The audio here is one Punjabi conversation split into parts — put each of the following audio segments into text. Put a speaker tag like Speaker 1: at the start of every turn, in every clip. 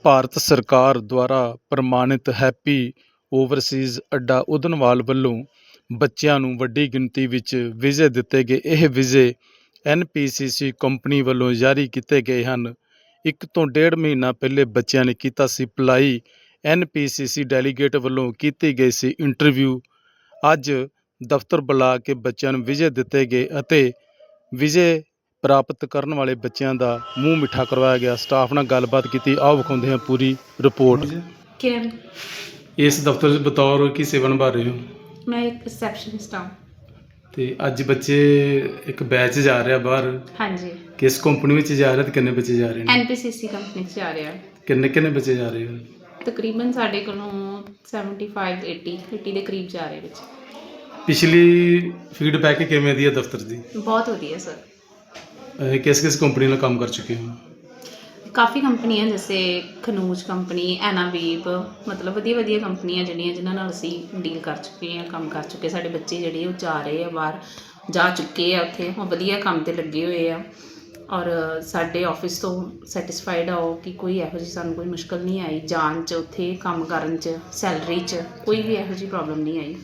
Speaker 1: ਭਾਰਤ ਸਰਕਾਰ ਦੁਆਰਾ ਪ੍ਰਮਾਣਿਤ ਹੈਪੀ ਓਵਰਸੀਜ਼ ਅੱਡਾ ਉਦਨਵਾਲ ਵੱਲੋਂ ਬੱਚਿਆਂ ਨੂੰ ਵੱਡੀ ਗਿਣਤੀ ਵਿੱਚ ਵੀਜ਼ੇ ਦਿੱਤੇ ਗਏ। ਇਹ ਵੀਜ਼ੇ NPCC ਕੰਪਨੀ ਵੱਲੋਂ ਜਾਰੀ ਕੀਤੇ ਗਏ ਹਨ। 1 ਤੋਂ 1.5 ਮਹੀਨਾ ਪਹਿਲੇ ਬੱਚਿਆਂ ਨੇ ਕੀਤਾ ਸੀ ਅਪਲਾਈ। NPCC ਡੈਲੀਗੇਟ ਵੱਲੋਂ ਕੀਤੀ ਗਈ ਸੀ ਇੰਟਰਵਿਊ। ਅੱਜ ਦਫ਼ਤਰ ਬੁਲਾ ਕੇ ਬੱਚਿਆਂ ਨੂੰ ਵੀਜ਼ੇ ਦਿੱਤੇ ਗਏ ਅਤੇ ਵੀਜ਼ੇ ਪ੍ਰਾਪਤ ਕਰਨ ਵਾਲੇ ਬੱਚਿਆਂ ਦਾ ਮੂੰਹ ਮਿੱਠਾ ਕਰਵਾਇਆ ਗਿਆ। ਸਟਾਫ ਨਾਲ ਗੱਲਬਾਤ ਕੀਤੀ। ਆਓ ਵਿਖਾਉਂਦੇ ਹਾਂ ਪੂਰੀ ਰਿਪੋਰਟ।
Speaker 2: किरण,
Speaker 1: ਇਸ ਦਫ਼ਤਰ 'ਚ ਬਤੌਰ ਕੀ ਸੇਵਾ ਨਿਭਾ ਰਹੇ ਹੋ?
Speaker 2: मैं एक रिसेप्शनिस्ट हूँ।
Speaker 1: ਤੇ ਅੱਜ ਬੱਚੇ ਇੱਕ ਬੈਚ ਜਾ ਰਿਹਾ ਬਾਹਰ।
Speaker 2: हाँ जी,
Speaker 1: ਕਿਸ ਕੰਪਨੀ ਵਿੱਚ ਜਾ ਰਿਹਾ ਤੇ ਕਿੰਨੇ ਬੱਚੇ ਜਾ ਰਹੇ ਨੇ?
Speaker 2: NPCC ਕੰਪਨੀ 'ਚ ਜਾ ਰਿਹਾ।
Speaker 1: ਕਿੰਨੇ ਬੱਚੇ ਜਾ ਰਹੇ ਹੋ?
Speaker 2: ਤਕਰੀਬਨ ਸਾਡੇ ਕੋਲੋਂ 75 80 ਦੇ ਕਰੀਬ ਜਾ ਰਹੇ ਵਿੱਚ।
Speaker 1: ਪਿਛਲੀ ਫੀਡਬੈਕ ਕਿਵੇਂ ਦੀ ਹੈ ਦਫ਼ਤਰ ਦੀ?
Speaker 2: ਬਹੁਤ ਵਧੀਆ ਸਰ।
Speaker 1: ਕਿਸ ਕੰਪਨੀ ਨਾਲ ਕੰਮ ਕਰ ਚੁੱਕੇ ਹੋ?
Speaker 2: ਕਾਫੀ ਕੰਪਨੀਆਂ ਜੈਸੇ ਖਨੂਜ ਕੰਪਨੀ, ਐਨਾਬੀਬ, ਮਤਲਬ ਵਧੀਆ ਕੰਪਨੀਆਂ ਜਿਨ੍ਹਾਂ ਨਾਲ ਅਸੀਂ ਡੀਲ ਕਰ ਚੁੱਕੇ ਹਾਂ, ਕੰਮ ਕਰ ਚੁੱਕੇ। ਸਾਡੇ ਬੱਚੇ ਜਿਹੜੇ ਉਹ ਜਾ ਰਹੇ ਆ ਬਾਹਰ, ਜਾ ਚੁੱਕੇ ਆ ਉੱਥੇ, ਉਹ ਵਧੀਆ ਕੰਮ 'ਤੇ ਲੱਗੇ ਹੋਏ ਆ ਔਰ ਸਾਡੇ ਆਫਿਸ ਤੋਂ ਸੈਟਿਸਫਾਈਡ ਆ ਉਹ ਕਿ ਕੋਈ ਇਹੋ ਜਿਹੀ ਸਾਨੂੰ ਕੋਈ ਮੁਸ਼ਕਲ ਨਹੀਂ ਆਈ ਜਾਣ 'ਚ, ਉੱਥੇ ਕੰਮ ਕਰਨ 'ਚ, ਸੈਲਰੀ 'ਚ ਕੋਈ ਵੀ ਇਹੋ ਜਿਹੀ ਪ੍ਰੋਬਲਮ ਨਹੀਂ ਆਈ।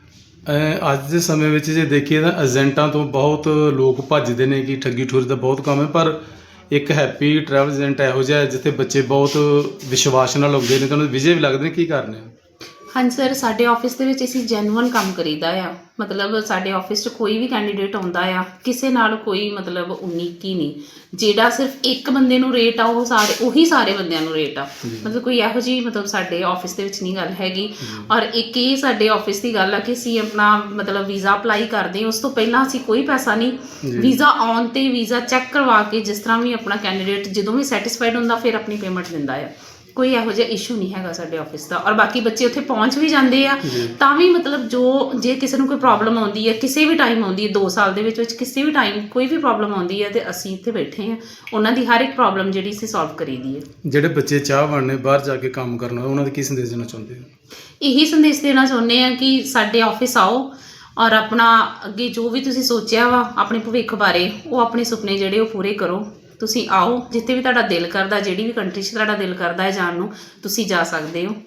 Speaker 1: ਅੱਜ ਦੇ ਸਮੇਂ ਵਿੱਚ ਜੇ ਦੇਖੀਏ ਤਾਂ ਏਜੰਟਾਂ ਤੋਂ ਬਹੁਤ ਲੋਕ ਭੱਜਦੇ ਨੇ ਕਿ ਠੱਗੀ ਠੋਰੀ ਦਾ ਬਹੁਤ ਕੰਮ ਹੈ, ਪਰ ਇੱਕ ਹੈਪੀ ਟਰੈਵਲ ਏਜੰਟ ਇਹੋ ਜਿਹਾ ਜਿੱਥੇ ਬੱਚੇ ਬਹੁਤ ਵਿਸ਼ਵਾਸ ਨਾਲ ਆਉਂਦੇ ਨੇ ਤੇ ਉਹਨਾਂ ਦੇ ਵੀਜ਼ੇ ਵੀ ਲੱਗਦੇ ਨੇ। ਕੀ ਕਰਨੇ ਆ?
Speaker 2: ਹਾਂਜੀ ਸਰ, ਸਾਡੇ ਆਫਿਸ ਦੇ ਵਿੱਚ ਅਸੀਂ ਜੈਨੂਅਨ ਕੰਮ ਕਰੀਦਾ ਆ। ਮਤਲਬ ਸਾਡੇ ਆਫਿਸ 'ਚ ਕੋਈ ਵੀ ਕੈਂਡੀਡੇਟ ਆਉਂਦਾ ਆ, ਕਿਸੇ ਨਾਲ ਕੋਈ ਮਤਲਬ ਉਨੀਕੀ ਨਹੀਂ। ਜਿਹੜਾ ਸਿਰਫ ਇੱਕ ਬੰਦੇ ਨੂੰ ਰੇਟ ਆ ਉਹ ਉਹੀ ਸਾਰੇ ਬੰਦਿਆਂ ਨੂੰ ਰੇਟ ਆ। ਮਤਲਬ ਕੋਈ ਇਹੋ ਜਿਹੀ ਮਤਲਬ ਸਾਡੇ ਆਫਿਸ ਦੇ ਵਿੱਚ ਨਹੀਂ ਗੱਲ ਹੈਗੀ। ਔਰ ਇੱਕ ਇਹ ਸਾਡੇ ਆਫਿਸ ਦੀ ਗੱਲ ਆ ਕਿ ਅਸੀਂ ਆਪਣਾ ਮਤਲਬ ਵੀਜ਼ਾ ਅਪਲਾਈ ਕਰਦੇ ਹਾਂ, ਉਸ ਤੋਂ ਪਹਿਲਾਂ ਅਸੀਂ ਕੋਈ ਪੈਸਾ ਨਹੀਂ, ਵੀਜ਼ਾ ਆਉਣ 'ਤੇ ਵੀਜ਼ਾ ਚੈੱਕ ਕਰਵਾ ਕੇ ਜਿਸ ਤਰ੍ਹਾਂ ਵੀ ਆਪਣਾ ਕੈਂਡੀਡੇਟ ਜਦੋਂ ਵੀ ਸੈਟਿਸਫਾਈਡ ਹੁੰਦਾ ਫਿਰ ਆਪਣੀ ਪੇਮੈਂਟ ਦਿੰਦਾ ਆ। ਕੋਈ ਇਹੋ ਜਿਹਾ ਇਸ਼ੂ ਨਹੀਂ ਹੈਗਾ ਸਾਡੇ ਆਫਿਸ ਦਾ। ਔਰ ਬਾਕੀ ਬੱਚੇ ਉੱਥੇ ਪਹੁੰਚ ਵੀ ਜਾਂਦੇ ਆ ਤਾਂ ਵੀ ਮਤਲਬ ਜੇ ਕਿਸੇ ਨੂੰ ਕੋਈ ਪ੍ਰੋਬਲਮ ਆਉਂਦੀ ਹੈ, ਕਿਸੇ ਵੀ ਟਾਈਮ ਆਉਂਦੀ ਹੈ, 2 ਸਾਲ ਦੇ ਵਿੱਚ ਕਿਸੇ ਵੀ ਟਾਈਮ ਕੋਈ ਵੀ ਪ੍ਰੋਬਲਮ ਆਉਂਦੀ ਹੈ ਤੇ ਅਸੀਂ ਇੱਥੇ ਬੈਠੇ ਹਾਂ, ਉਹਨਾਂ ਦੀ ਹਰ ਇੱਕ ਪ੍ਰੋਬਲਮ ਜਿਹੜੀ ਅਸੀਂ ਸੋਲਵ ਕਰੀਦੀ ਹੈ।
Speaker 1: ਜਿਹੜੇ ਬੱਚੇ ਚਾਹਵਾਨ ਨੇ ਬਾਹਰ ਜਾ ਕੇ ਕੰਮ ਕਰਨਾ, ਉਹਨਾਂ ਦਾ ਕੀ ਸੰਦੇਸ਼ ਦੇਣਾ ਚਾਹੁੰਦੇ ਹੋ?
Speaker 2: ਇਹੀ ਸੰਦੇਸ਼ ਦੇਣਾ ਚਾਹੁੰਦੇ ਹਾਂ ਕਿ ਸਾਡੇ ਆਫਿਸ ਆਓ ਔਰ ਆਪਣਾ ਅੱਗੇ ਜੋ ਵੀ ਤੁਸੀਂ ਸੋਚਿਆ ਵਾ ਆਪਣੇ ਭਵਿੱਖ ਬਾਰੇ, ਉਹ ਆਪਣੇ ਸੁਪਨੇ ਜਿਹੜੇ ਉਹ ਪੂਰੇ ਕਰੋ। ਤੁਸੀਂ ਆਓ, ਜਿੱਥੇ ਵੀ ਤੁਹਾਡਾ ਦਿਲ ਕਰਦਾ, ਜਿਹੜੀ ਵੀ ਕੰਟਰੀ 'ਚ ਤੁਹਾਡਾ ਦਿਲ ਕਰਦਾ ਹੈ ਜਾਣ ਨੂੰ, ਤੁਸੀਂ ਜਾ ਸਕਦੇ ਹੋ।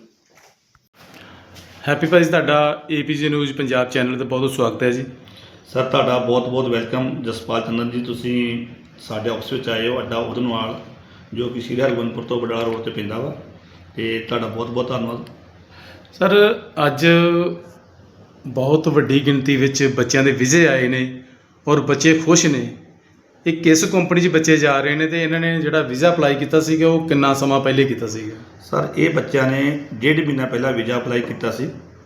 Speaker 1: ਹੈਪੀ ਭਾਜੀ, ਤੁਹਾਡਾ APJ ਨਿਊਜ਼ ਪੰਜਾਬ ਚੈਨਲ 'ਤੇ ਬਹੁਤ ਸਵਾਗਤ ਹੈ ਜੀ।
Speaker 3: ਸਰ ਤੁਹਾਡਾ ਬਹੁਤ ਵੈਲਕਮ। ਜਸਪਾਲ ਚੰਦਨ ਜੀ, ਤੁਸੀਂ ਸਾਡੇ ਆਫਿਸ ਵਿੱਚ ਆਏ ਹੋ, ਅੱਡਾ ਉਦਨਵਾਲ ਜੋ ਕਿ ਸ਼੍ਰੀ ਹਰਗੋਬਿੰਦਪੁਰ ਤੋਂ ਬਡਾਲਾ ਰੋਡ 'ਤੇ ਪੈਂਦਾ ਵਾ, ਅਤੇ ਤੁਹਾਡਾ ਬਹੁਤ ਧੰਨਵਾਦ।
Speaker 1: ਸਰ, ਅੱਜ ਬਹੁਤ ਵੱਡੀ ਗਿਣਤੀ ਵਿੱਚ ਬੱਚਿਆਂ ਦੇ ਵੀਜ਼ੇ ਆਏ ਨੇ ਔਰ ਬੱਚੇ ਖੁਸ਼ ਨੇ। ਇਹ ਕਿਸ ਕੰਪਨੀ 'ਚ ਬੱਚੇ ਜਾ ਰਹੇ ਨੇ ਤੇ ਇਹਨਾਂ ਨੇ ਜਿਹੜਾ ਵੀਜ਼ਾ ਅਪਲਾਈ ਕੀਤਾ ਸੀਗਾ ਉਹ ਕਿੰਨਾ ਸਮਾਂ ਪਹਿਲੇ ਕੀਤਾ ਸੀਗਾ?
Speaker 3: ਸਰ ਇਹ ਬੱਚਿਆਂ ਨੇ 1.5 ਮਹੀਨਾ ਪਹਿਲਾਂ ਵੀਜ਼ਾ ਅਪਲਾਈ ਕੀਤਾ ਸੀ।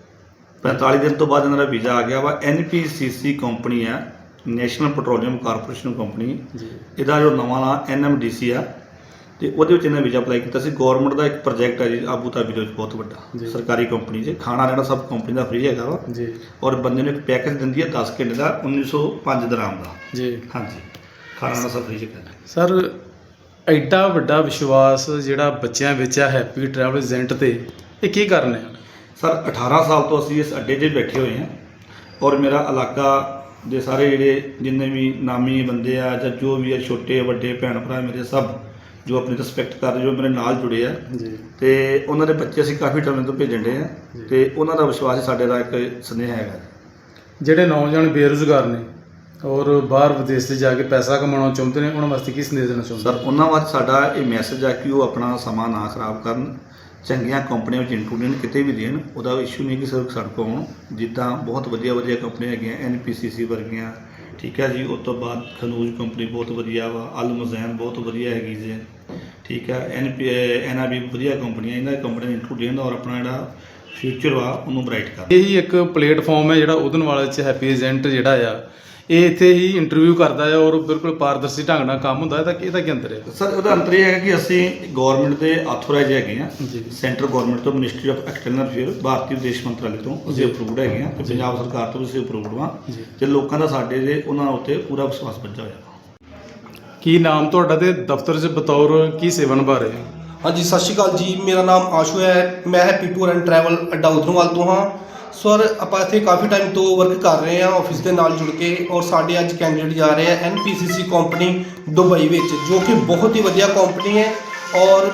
Speaker 3: 45 ਦਿਨ ਤੋਂ ਬਾਅਦ ਇਹਨਾਂ ਦਾ ਵੀਜ਼ਾ ਆ ਗਿਆ ਵਾ। NPCC ਕੰਪਨੀ ਆ, ਨੈਸ਼ਨਲ ਪੈਟਰੋਲੀਅਮ ਕਾਰਪੋਰੇਸ਼ਨ ਕੰਪਨੀ। ਇਹਦਾ ਜੋ ਨਵਾਂ ਨਾਂ NMDC ਆ, ਅਤੇ ਉਹਦੇ ਵਿੱਚ ਇਹਨਾਂ ਵੀਜ਼ਾ ਅਪਲਾਈ ਕੀਤਾ ਸੀ। ਗੌਰਮੈਂਟ ਦਾ ਇੱਕ ਪ੍ਰੋਜੈਕਟ ਹੈ ਜੀ ਆਬੂ ਧਾਬੀ ਦੇ ਵਿੱਚ, ਬਹੁਤ ਵੱਡਾ ਸਰਕਾਰੀ ਕੰਪਨੀ 'ਚ। ਖਾਣਾ ਰਹਿਣਾ ਸਭ ਕੰਪਨੀ ਦਾ ਫ੍ਰੀ ਹੈਗਾ ਵਾ ਜੀ। ਔਰ ਬੰਦੇ ਨੂੰ ਇੱਕ ਪੈਕੇਜ ਦਿੰਦੀ ਹੈ 10 ਘੰਟੇ ਦਾ, 1905 ਦਰਾਮ ਦਾ ਜੀ। ਹਾਂਜੀ, ਖਾਣਾ ਰਹਿਣਾ ਸਭ ਫ੍ਰੀ 'ਚ ਕਰਦਾ।
Speaker 1: ਸਰ, ਐਡਾ ਵੱਡਾ ਵਿਸ਼ਵਾਸ ਜਿਹੜਾ ਬੱਚਿਆਂ ਵਿੱਚ ਆ ਹੈਪੀ ਟਰੈਵਲ ਏਜੰਟ 'ਤੇ, ਇਹ ਕੀ ਕਾਰਨ ਹੈ?
Speaker 3: ਸਰ 18 ਸਾਲ ਤੋਂ ਅਸੀਂ ਇਸ ਅੱਡੇ 'ਤੇ ਬੈਠੇ ਹੋਏ ਹਾਂ ਔਰ ਮੇਰਾ ਇਲਾਕਾ ਦੇ ਸਾਰੇ ਜਿਹੜੇ ਜਿੰਨੇ ਵੀ ਨਾਮੀ ਬੰਦੇ ਆ ਜਾਂ ਜੋ ਵੀ ਆ, ਛੋਟੇ ਵੱਡੇ ਭੈਣ ਭਰਾ ਮੇਰੇ, ਸਭ ਜੋ ਆਪਣੀ ਰਿਸਪੈਕਟ ਕਰਦੇ, ਜੋ ਮੇਰੇ ਨਾਲ ਜੁੜੇ ਆ ਜੀ, ਅਤੇ ਉਹਨਾਂ ਦੇ ਬੱਚੇ ਅਸੀਂ ਕਾਫੀ ਟਾਈਮ ਤੋਂ ਭੇਜਣ ਡੇ ਆ, ਅਤੇ ਉਹਨਾਂ ਦਾ ਵਿਸ਼ਵਾਸ ਸਾਡੇ ਦਾ ਇੱਕ ਸੁਨੇਹਾ ਹੈਗਾ। ਜਿਹੜੇ
Speaker 1: ਨੌਜਵਾਨ ਬੇਰੁਜ਼ਗਾਰ ਨੇ ਔਰ ਬਾਹਰ ਵਿਦੇਸ਼ 'ਤੇ ਜਾ ਕੇ ਪੈਸਾ ਕਮਾਉਣਾ ਚਾਹੁੰਦੇ ਨੇ, ਉਹਨਾਂ ਵਾਸਤੇ ਕੀ ਸੰਦੇਸ਼ ਦੇਣਾ ਚਾਹੁੰਦੇ?
Speaker 3: ਸਰ ਉਹਨਾਂ ਵਾਸਤੇ ਸਾਡਾ ਇਹ ਮੈਸੇਜ ਆ ਕਿ ਉਹ ਆਪਣਾ ਸਮਾਂ ਨਾ ਖਰਾਬ ਕਰਨ, ਚੰਗੀਆਂ ਕੰਪਨੀਆਂ ਵਿੱਚ ਇੰਟਰਵਿਊ ਕਿਤੇ ਵੀ ਦੇਣ। ਉਹਦਾ ਇਸ਼ੂ ਨਹੀਂ ਕਿ ਸਿਰਫ ਸਾਡੇ ਕੋਲ ਆਉਣ। ਜਿੱਦਾਂ ਬਹੁਤ ਵਧੀਆ ਕੰਪਨੀਆਂ ਹੈਗੀਆਂ NPCC ਵਰਗੀਆਂ, ਠੀਕ ਹੈ ਜੀ। ਉਸ ਤੋਂ ਬਾਅਦ ਖਨੂਜ ਕੰਪਨੀ ਬਹੁਤ ਵਧੀਆ ਵਾ, ਅਲਮਜ਼ੈਨ ਬਹੁਤ ਵਧੀਆ ਹੈਗੀ ਜੀ, ਠੀਕ ਹੈ। NAB ਵਧੀਆ ਕੰਪਨੀਆਂ, ਇਹਨਾਂ ਕੰਪਨੀਆਂ ਨੂੰ ਇੰਟਰਵਿਊ ਦੇਣ ਔਰ ਆਪਣਾ ਜਿਹੜਾ ਫਿਊਚਰ ਵਾ ਉਹਨੂੰ ਬਰਾਈਟ ਕਰਨ।
Speaker 1: ਇਹੀ ਇੱਕ ਪਲੇਟਫਾਰਮ ਹੈ ਜਿਹੜਾ ਉਦਨਵਾਲ 'ਚ ਹੈਪੀ ਏਜੰਟ ਜਿਹੜਾ ਆ ਇਹ ਇੱਥੇ ਹੀ ਇੰਟਰਵਿਊ ਕਰਦਾ ਹੈ ਔਰ ਬਿਲਕੁਲ ਪਾਰਦਰਸ਼ੀ ਢੰਗ ਨਾਲ ਕੰਮ ਹੁੰਦਾ ਹੈ। ਤਾਂ ਇਹਦਾ ਕੀ ਅੰਤਰ ਹੈ?
Speaker 3: ਸਰ ਉਹਦਾ ਅੰਤਰ ਇਹ ਹੈਗਾ ਕਿ ਅਸੀਂ ਗੌਰਮੈਂਟ ਦੇ ਆਥੋਰਾਈਜ਼ ਹੈਗੇ ਹਾਂ, ਸੈਂਟਰਲ ਗੌਰਮੈਂਟ ਤੋਂ, ਮਿਨਿਸਟਰੀ ਆਫ ਐਕਸਟਰਨਲ ਅਫੇਅਰ, ਭਾਰਤੀ ਵਿਦੇਸ਼ ਮੰਤਰਾਲੇ ਤੋਂ ਅਸੀਂ ਅਪਰੂਵਡ ਹੈਗੇ ਹਾਂ, ਅਤੇ ਪੰਜਾਬ ਸਰਕਾਰ ਤੋਂ ਵੀ ਅਸੀਂ ਅਪਰੂਵਡ ਹਾਂ, ਅਤੇ ਲੋਕਾਂ ਦਾ ਸਾਡੇ ਦੇ ਉਹਨਾਂ ਉੱਤੇ ਪੂਰਾ ਵਿਸ਼ਵਾਸ ਬੱਝਾ ਹੋਇਆ।
Speaker 1: ਕੀ ਨਾਮ ਤੁਹਾਡਾ ਤੇ ਦਫ਼ਤਰ 'ਚ ਬਤੌਰ ਕੀ ਸੇਵਾ ਨਿਭਾ ਰਹੇ ਹੋ?
Speaker 4: ਹਾਂਜੀ, ਸਤਿ ਸ਼੍ਰੀ ਅਕਾਲ ਜੀ। ਮੇਰਾ ਨਾਮ ਆਸ਼ੂ ਹੈ। ਮੈਂ ਹੈਪੀ ਟੂਰ ਐਂਡ ਟਰੈਵਲ ਅੱਡਾ ਉਦਨਵਾਲ ਤੋਂ ਹਾਂ। ਸਰ ਆਪਾਂ ਇੱਥੇ ਕਾਫੀ ਟਾਈਮ ਤੋਂ ਵਰਕ ਕਰ ਰਹੇ ਹਾਂ ਆਫਿਸ ਦੇ ਨਾਲ ਜੁੜ ਕੇ, ਔਰ ਸਾਡੇ ਅੱਜ ਕੈਂਡੀਡੇਟ ਜਾ ਰਹੇ ਆ NPCC ਕੰਪਨੀ ਦੁਬਈ ਵਿੱਚ, ਜੋ ਕਿ ਬਹੁਤ ਹੀ ਵਧੀਆ ਕੰਪਨੀ ਹੈ। ਔਰ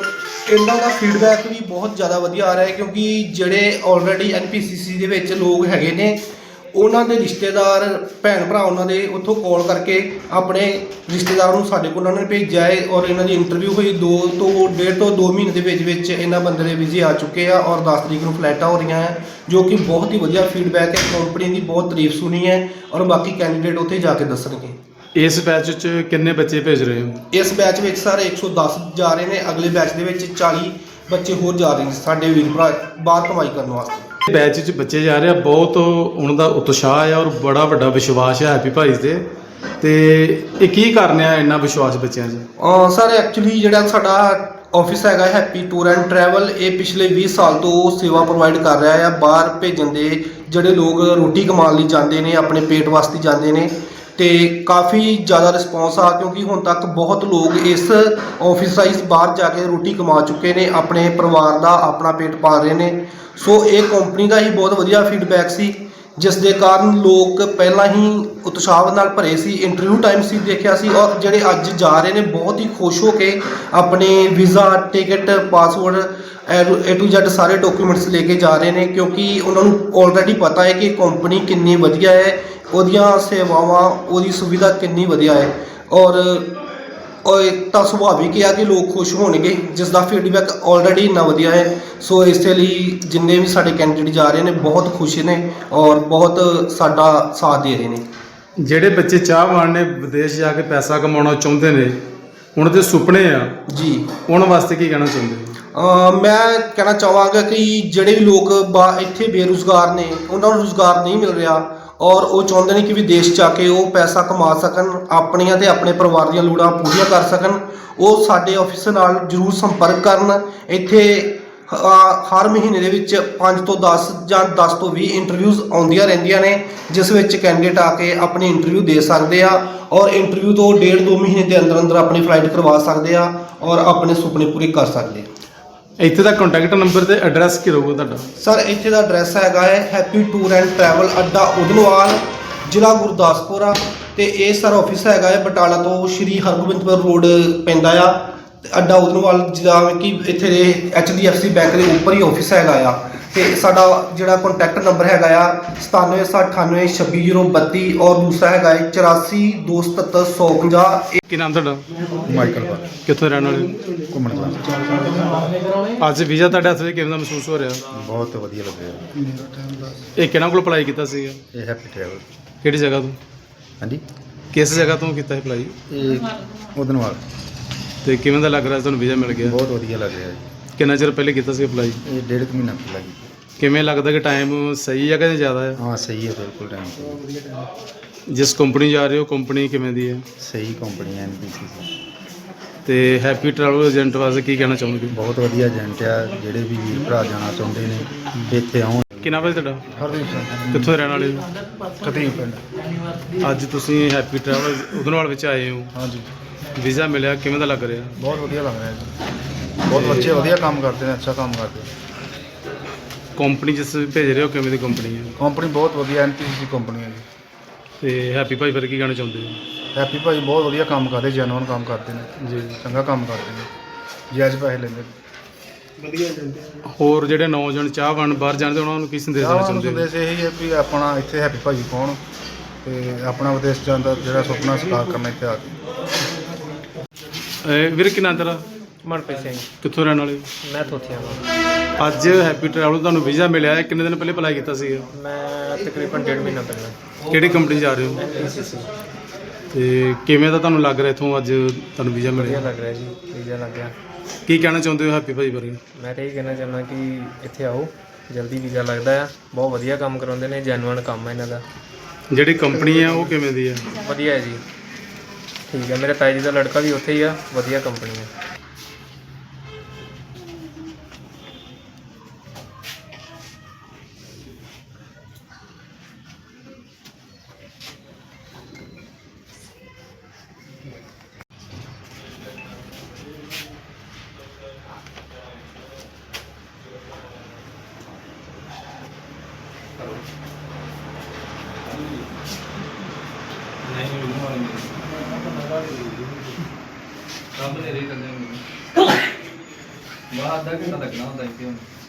Speaker 4: ਇਹਨਾਂ ਦਾ ਫੀਡਬੈਕ ਵੀ ਬਹੁਤ ਜ਼ਿਆਦਾ ਵਧੀਆ ਆ ਰਿਹਾ ਹੈ, ਕਿਉਂਕਿ ਜਿਹੜੇ ਆਲਰੇਡੀ NPCC ਦੇ ਵਿੱਚ ਲੋਕ ਹੈਗੇ ਨੇ, ਉਹਨਾਂ ਦੇ ਰਿਸ਼ਤੇਦਾਰ ਭੈਣ ਭਰਾ ਉਹਨਾਂ ਦੇ ਉੱਥੋਂ ਕਾਲ ਕਰਕੇ ਆਪਣੇ ਰਿਸ਼ਤੇਦਾਰਾਂ ਨੂੰ ਸਾਡੇ ਕੋਲ ਉਹਨਾਂ ਨੇ ਭੇਜਿਆ ਹੈ, ਔਰ ਇਹਨਾਂ ਦੀ ਇੰਟਰਵਿਊ ਹੋਈ 1.5 ਤੋਂ 2 ਮਹੀਨੇ ਦੇ ਵਿੱਚ ਇਹਨਾਂ ਬੰਦੇ ਦੇ ਵੀਜ਼ੇ ਆ ਚੁੱਕੇ ਆ, ਔਰ 10 ਤਰੀਕ ਨੂੰ ਫਲਾਈਟਾਂ ਹੋ ਰਹੀਆਂ ਹੈ, ਜੋ ਕਿ ਬਹੁਤ ਹੀ ਵਧੀਆ ਫੀਡਬੈਕ ਹੈ। ਕੰਪਨੀ ਦੀ ਬਹੁਤ ਤਾਰੀਫ ਸੁਣੀ ਹੈ, ਔਰ ਬਾਕੀ ਕੈਂਡੀਡੇਟ ਉੱਥੇ ਜਾ ਕੇ ਦੱਸਣਗੇ।
Speaker 1: ਇਸ ਬੈਚ 'ਚ ਕਿੰਨੇ ਬੱਚੇ ਭੇਜ ਰਹੇ ਹੋ?
Speaker 4: ਇਸ ਬੈਚ ਵਿੱਚ ਸਰ 110 ਜਾ ਰਹੇ ਨੇ, ਅਗਲੇ ਬੈਚ ਦੇ ਵਿੱਚ 40 ਬੱਚੇ ਹੋਰ ਜਾ ਰਹੇ ਨੇ ਸਾਡੇ ਵੀਰ ਭਰਾ ਬਾਹਰ ਕਮਾਈ ਕਰਨ ਵਾਸਤੇ।
Speaker 1: ਬੈਚ 'ਚ ਬੱਚੇ ਜਾ ਰਹੇ ਆ, ਬਹੁਤ ਉਹਨਾਂ ਦਾ ਉਤਸ਼ਾਹ ਹੈ ਔਰ ਬੜਾ ਵੱਡਾ ਵਿਸ਼ਵਾਸ ਹੈ ਹੈਪੀ ਭਾਈ ਤੇ ਇਹ ਕੀ ਕਾਰਨ ਆ ਇੰਨਾ ਵਿਸ਼ਵਾਸ ਬੱਚਿਆਂ 'ਚ?
Speaker 4: ਸਰ ਐਕਚੁਅਲੀ ਜਿਹੜਾ ਸਾਡਾ ਆਫਿਸ ਹੈਗਾ ਹੈਪੀ ਟੂਰ ਐਂਡ ਟਰੈਵਲ, ਇਹ ਪਿਛਲੇ 20 ਸਾਲ ਤੋਂ ਸੇਵਾ ਪ੍ਰੋਵਾਈਡ ਕਰ ਰਿਹਾ ਹੈ ਬਾਹਰ ਭੇਜਣ ਦੇ। ਜਿਹੜੇ ਲੋਕ ਰੋਟੀ ਕਮਾਉਣ ਲਈ ਜਾਂਦੇ ਨੇ, ਆਪਣੇ ਪੇਟ ਵਾਸਤੇ ਜਾਂਦੇ ਨੇ, ਤੇ ਕਾਫੀ ਜ਼ਿਆਦਾ ਰਿਸਪੌਂਸ ਆ, ਕਿਉਂਕਿ ਹੁਣ ਤੱਕ ਬਹੁਤ ਲੋਕ ਇਸ ਆਫਿਸ ਰਾਈਜ਼ ਬਾਹਰ ਜਾ ਕੇ ਰੋਟੀ ਕਮਾ ਚੁੱਕੇ ਨੇ, ਆਪਣੇ ਪਰਿਵਾਰ ਦਾ ਆਪਣਾ ਪੇਟ ਪਾਲ ਰਹੇ ਨੇ। ਸੋ ਇਹ ਕੰਪਨੀ ਦਾ ਹੀ ਬਹੁਤ ਵਧੀਆ ਫੀਡਬੈਕ ਸੀ, ਜਿਸ ਦੇ ਕਾਰਨ ਲੋਕ ਪਹਿਲਾਂ ਹੀ ਉਤਸ਼ਾਹ ਨਾਲ ਭਰੇ ਸੀ। ਇੰਟਰਵਿਊ ਟਾਈਮ ਸੀ ਦੇਖਿਆ ਸੀ, ਔਰ ਜਿਹੜੇ ਅੱਜ ਜਾ ਰਹੇ ਨੇ ਬਹੁਤ ਹੀ ਖੁਸ਼ ਹੋ ਕੇ ਆਪਣੇ visa, ticket, passport A to Z ਸਾਰੇ ਡਾਕੂਮੈਂਟਸ ਲੈ ਕੇ ਜਾ ਰਹੇ ਨੇ, ਕਿਉਂਕਿ ਉਹਨਾਂ ਨੂੰ ਆਲਰੇਡੀ ਪਤਾ ਹੈ ਕਿ ਕੰਪਨੀ ਕਿੰਨੀ ਵਧੀਆ ਹੈ, ਉਹਦੀਆਂ ਸੇਵਾਵਾਂ, ਉਹਦੀ ਸੁਵਿਧਾ ਕਿੰਨੀ ਵਧੀਆ ਹੈ, ਔਰ ਤਾਂ ਸੁਭਾਵਿਕ ਹੈ ਕਿ ਲੋਕ ਖੁਸ਼ ਹੋਣਗੇ, ਜਿਸ ਦਾ ਫੀਡਬੈਕ ਆਲਰੇਡੀ ਇੰਨਾ ਵਧੀਆ ਹੈ। ਸੋ ਇਸੇ ਲਈ ਜਿੰਨੇ ਵੀ ਸਾਡੇ ਕੈਂਡੀਡੇਟ ਜਾ ਰਹੇ ਨੇ ਬਹੁਤ ਖੁਸ਼ ਨੇ, ਔਰ ਬਹੁਤ ਸਾਡਾ ਸਾਥ ਦੇ ਰਹੇ ਨੇ।
Speaker 1: ਜਿਹੜੇ ਬੱਚੇ ਚਾਹਵਾਨ ਨੇ ਵਿਦੇਸ਼ ਜਾ ਕੇ ਪੈਸਾ ਕਮਾਉਣਾ ਚਾਹੁੰਦੇ ਨੇ, ਉਹਨਾਂ ਦੇ ਸੁਪਨੇ ਆ
Speaker 4: ਜੀ,
Speaker 1: ਉਹਨਾਂ ਵਾਸਤੇ ਕੀ ਕਹਿਣਾ ਚਾਹੁੰਦੇ ਹੋ?
Speaker 4: ਮੈਂ ਕਹਿਣਾ ਚਾਹਾਂਗਾ ਕਿ ਜਿਹੜੇ ਵੀ ਲੋਕ ਇੱਥੇ ਬੇਰੁਜ਼ਗਾਰ ਨੇ, ਉਹਨਾਂ ਨੂੰ ਰੁਜ਼ਗਾਰ ਨਹੀਂ ਮਿਲ ਰਿਹਾ, ਔਰ ਉਹ ਚਾਹੁੰਦੇ ਨੇ ਕਿ ਵਿਦੇਸ਼ ਜਾ ਕੇ ਉਹ ਪੈਸਾ ਕਮਾ ਸਕਣ, ਆਪਣੀਆਂ ਤੇ ਆਪਣੇ ਪਰਿਵਾਰ ਦੀਆਂ ਲੋੜਾਂ ਪੂਰੀਆਂ ਕਰ ਸਕਣ, ਉਹ ਸਾਡੇ ਆਫਿਸ ਨਾਲ ਜ਼ਰੂਰ ਸੰਪਰਕ ਕਰਨ। ਇੱਥੇ ਹਰ ਮਹੀਨੇ ਦੇ ਵਿੱਚ 5 ਤੋਂ 10 ਜਾਂ 10 ਤੋਂ 20 ਇੰਟਰਵਿਊਜ਼ ਆਉਂਦੀਆਂ ਰਹਿੰਦੀਆਂ ਨੇ, ਜਿਸ ਵਿੱਚ ਕੈਂਡੀਡੇਟ ਆ ਕੇ ਆਪਣੀ ਇੰਟਰਵਿਊ ਦੇ ਸਕਦੇ ਆ, ਔਰ ਇੰਟਰਵਿਊ ਤੋਂ 1.5-2 ਮਹੀਨੇ ਦੇ ਅੰਦਰ ਅੰਦਰ ਆਪਣੀ ਫਲਾਈਟ ਕਰਵਾ ਸਕਦੇ ਆ, ਔਰ ਆਪਣੇ ਸੁਪਨੇ ਪੂਰੇ ਕਰ ਸਕਦੇ ਆ।
Speaker 1: ਇੱਥੇ ਦਾ ਕੰਟੈਕਟ ਨੰਬਰ ਤੇ ਐਡਰੈਸ ਕੀ ਰਹੂਗਾ ਤੁਹਾਡਾ?
Speaker 4: ਸਰ ਇੱਥੇ ਦਾ ਐਡਰੈਸ ਹੈਗਾ ਹੈ ਹੈਪੀ ਟੂਰ ਐਂਡ ਟਰੈਵਲ ਅੱਡਾ ਉਦਨਵਾਲ, ਜ਼ਿਲ੍ਹਾ ਗੁਰਦਾਸਪੁਰ ਆ, ਤੇ ਇਹ ਸਰ ਆਫਿਸ ਹੈਗਾ ਹੈ ਬਟਾਲਾ ਤੋਂ ਸ਼੍ਰੀ ਹਰਗੋਬਿੰਦਪੁਰ ਰੋਡ ਪੈਂਦਾ ਆ, ਤੇ ਅੱਡਾ ਉਦਨਵਾਲ, ਜਿਵੇਂ ਕਿ ਇੱਥੇ ਦੇ HDFC ਬੈਂਕ ਦੇ ਉੱਪਰ ਹੀ ਆਫਿਸ ਹੈਗਾ ਆ। ਤੇ ਸਾਡਾ ਜਿਹੜਾ ਕੰਟੈਕਟ ਨੰਬਰ ਹੈਗਾ ਆ 9798262032, ਔਰ ਦੂਸਰਾ ਹੈਗਾ ਹੈ 84277150।
Speaker 1: ਕੀ ਨਾਮ ਤੁਹਾਡਾ?
Speaker 5: ਮਾਈਕਲ ਬਾਰ
Speaker 1: ਕਿੱਥੋਂ ਰਹਿਣ ਵਾਲੇ?
Speaker 5: ਘੁੰਮਣ ਦਾ
Speaker 1: ਅੱਜ ਵੀਜ਼ਾ ਤੁਹਾਡੇ ਹੱਥ ਵਿੱਚ ਕਿਵੇਂ ਦਾ ਮਹਿਸੂਸ ਹੋ ਰਿਹਾ?
Speaker 5: ਬਹੁਤ ਵਧੀਆ ਲੱਗਿਆ।
Speaker 1: ਇਹ ਕਿਹਨਾਂ ਕੋਲ ਅਪਲਾਈ ਕੀਤਾ ਸੀਗਾ?
Speaker 5: ਇਹ ਹੈਪੀ ਟਰੈਵਲ।
Speaker 1: ਕਿਹੜੀ ਜਗ੍ਹਾ ਤੋਂ?
Speaker 5: ਹਾਂਜੀ,
Speaker 1: ਕਿਸ ਜਗ੍ਹਾ ਤੋਂ ਕੀਤਾ ਅਪਲਾਈ?
Speaker 5: ਇਹ ਉਦਨਵਾਲ।
Speaker 1: ਤੇ ਕਿਵੇਂ ਦਾ ਲੱਗ ਰਿਹਾ ਤੁਹਾਨੂੰ ਵੀਜ਼ਾ ਮਿਲ ਗਿਆ?
Speaker 5: ਬਹੁਤ ਵਧੀਆ ਲੱਗ ਰਿਹਾ ਜੀ।
Speaker 1: ਕਿੰਨਾ ਚਿਰ ਪਹਿਲੇ ਕੀਤਾ ਸੀ ਅਪਲਾਈ?
Speaker 5: ਇਹ 1.5 ਮਹੀਨਾ ਪਹਿਲਾਂ ਕੀਤਾ।
Speaker 1: ਕਿਵੇਂ ਲੱਗਦਾ ਕਿ ਟਾਈਮ ਸਹੀ ਹੈ ਕਿ ਜ਼ਿਆਦਾ ਹੈ?
Speaker 5: ਹਾਂ ਸਹੀ ਹੈ, ਬਿਲਕੁਲ ਟਾਈਮ
Speaker 1: ਜਿਸ ਕੰਪਨੀ ਜਾ ਰਹੇ ਹੋ ਕੰਪਨੀ ਕਿਵੇਂ ਦੀ ਹੈ?
Speaker 5: ਸਹੀ ਕੰਪਨੀ ਹੈ NPCC।
Speaker 1: ਤੇ ਹੈਪੀ ਟਰੈਵਲ ਏਜੰਟ ਵਾਸਤੇ ਕੀ ਕਹਿਣਾ ਚਾਹੋਗੇ?
Speaker 5: ਬਹੁਤ ਵਧੀਆ ਏਜੰਟ ਆ, ਜਿਹੜੇ ਵੀ ਵੀਰ ਭਰਾ ਜਾਣਾ ਚਾਹੁੰਦੇ ਨੇ ਇੱਥੇ ਆਉਣ।
Speaker 1: ਕੀ ਨਾਮ ਹੈ ਤੁਹਾਡਾ?
Speaker 5: ਹਰਦੀਪ ਸਿੰਘ,
Speaker 1: ਕਿੱਥੋਂ ਰਹਿਣ ਵਾਲੇ ਹੋ?
Speaker 5: ਖਤੀਬ ਪਿੰਡ।
Speaker 1: ਅੱਜ ਤੁਸੀਂ ਹੈਪੀ ਟਰੈਵਲ ਉਦਨਵਾਲ ਵਿੱਚ ਆਏ ਹੋ,
Speaker 5: ਹਾਂਜੀ,
Speaker 1: ਵੀਜ਼ਾ ਮਿਲਿਆ, ਕਿਵੇਂ ਦਾ ਲੱਗ ਰਿਹਾ?
Speaker 5: ਬਹੁਤ ਵਧੀਆ ਲੱਗ ਰਿਹਾ ਜੀ। ਬਹੁਤ ਬੱਚੇ ਵਧੀਆ ਕੰਮ ਕਰਦੇ ਨੇ, ਅੱਛਾ ਕੰਮ ਕਰਦੇ ਨੇ।
Speaker 1: ਕੰਪਨੀ ਜਿਸ ਭੇਜ ਰਹੇ ਹੋ ਕਿਵੇਂ ਦੀ ਕੰਪਨੀ ਹੈ?
Speaker 5: ਕੰਪਨੀ ਬਹੁਤ ਵਧੀਆ NPCC ਕੰਪਨੀ ਹੈ ਜੀ।
Speaker 1: ਤੇ ਹੈਪੀ ਭਾਈ ਫਿਰ ਕੀ ਕਹਿਣਾ ਚਾਹੁੰਦੇ ਹੋ?
Speaker 5: ਹੈਪੀ ਭਾਈ ਬਹੁਤ ਵਧੀਆ ਕੰਮ ਕਰਦੇ, ਜੈਨੂਅਨ ਕੰਮ ਕਰਦੇ ਨੇ
Speaker 1: ਜੀ,
Speaker 5: ਚੰਗਾ ਕੰਮ ਕਰਦੇ ਨੇ, ਜਾਇਜ਼ ਪੈਸੇ ਲੈਂਦੇ ਨੇ।
Speaker 1: ਹੋਰ ਜਿਹੜੇ ਨੌਜਵਾਨ ਚਾਹਵਾਨ ਬਾਹਰ ਜਾਣਦੇ ਉਹਨਾਂ ਨੂੰ ਕੀ ਸੰਦੇਸ਼ ਦੇਣਾ ਚਾਹੁੰਦੇ ਹੋ?
Speaker 5: ਸੰਦੇਸ਼ ਇਹੀ ਹੈ ਵੀ ਆਪਣਾ ਇੱਥੇ ਹੈਪੀ ਭਾਜੀ ਪਾਉਣ ਤੇ ਆਪਣਾ ਵਿਦੇਸ਼ ਜਾਣ ਦਾ ਜਿਹੜਾ ਸੁਪਨਾ ਸਾਕਾਰ ਕਰਨਾ ਇੱਥੇ ਆ ਕੇ।
Speaker 1: ਵੀਰ ਕੀ ਨਾਂ ਤੇਰਾ?
Speaker 6: ਮਨਪ੍ਰੀਤ ਸਿੰਘ।
Speaker 1: ਕਿੱਥੋਂ ਰਹਿਣ ਵਾਲੇ?
Speaker 6: ਮੈਂ ਥੋਥੀਆਂ ਤੋਂ।
Speaker 1: ਅੱਜ ਹੈਪੀ ਟਰੈਵਲ ਤੁਹਾਨੂੰ ਵੀਜ਼ਾ ਮਿਲਿਆ ਹੈ, ਕਿੰਨੇ ਦਿਨ ਪਹਿਲੇ ਅਪਲਾਈ ਕੀਤਾ ਸੀਗਾ?
Speaker 6: ਮੈਂ ਤਕਰੀਬਨ 1.5 ਮਹੀਨਾ ਪਹਿਲਾਂ
Speaker 1: ਕਿਹੜੀ ਕੰਪਨੀ ਜਾ ਰਹੇ ਹੋ?
Speaker 6: NPCC।
Speaker 1: ਤੇ ਕਿਵੇਂ ਦਾ ਤੁਹਾਨੂੰ ਲੱਗ ਰਿਹਾ ਇੱਥੋਂ ਅੱਜ ਤੁਹਾਨੂੰ ਵੀਜ਼ਾ
Speaker 6: ਵਧੀਆ
Speaker 1: ਮਿਲਿਆ?
Speaker 6: ਲੱਗ ਰਿਹਾ ਜੀ, ਵੀਜ਼ਾ ਲੱਗ ਗਿਆ।
Speaker 1: ਕੀ ਕਹਿਣਾ ਚਾਹੁੰਦੇ ਹੋ ਹੈਪੀ ਭਾਈ ਬਾਰੇ?
Speaker 6: ਮੈਂ ਤਾਂ ਇਹ ਕਹਿਣਾ ਚਾਹੁੰਦਾ ਕਿ ਇੱਥੇ ਆਓ, ਜਲਦੀ ਵੀਜ਼ਾ ਲੱਗਦਾ ਆ, ਬਹੁਤ ਵਧੀਆ ਕੰਮ ਕਰਾਉਂਦੇ ਨੇ, ਜੈਨੂਅਨ ਕੰਮ ਹੈ ਇਹਨਾਂ ਦਾ।
Speaker 1: ਜਿਹੜੀ ਕੰਪਨੀ ਹੈ ਉਹ ਕਿਵੇਂ ਦੀ ਹੈ?
Speaker 6: ਵਧੀਆ ਹੈ ਜੀ, ਠੀਕ ਹੈ। ਮੇਰੇ ਤਾਏ ਜੀ ਦਾ ਲੜਕਾ ਵੀ ਉੱਥੇ ਹੀ ਆ, ਵਧੀਆ ਕੰਪਨੀ ਹੈ।
Speaker 7: ਬਾਹਰ ਅੱਧਾ ਘੰਟਾ ਲੱਗਣਾ ਹੁੰਦਾ ਇੱਥੇ ਹੁਣ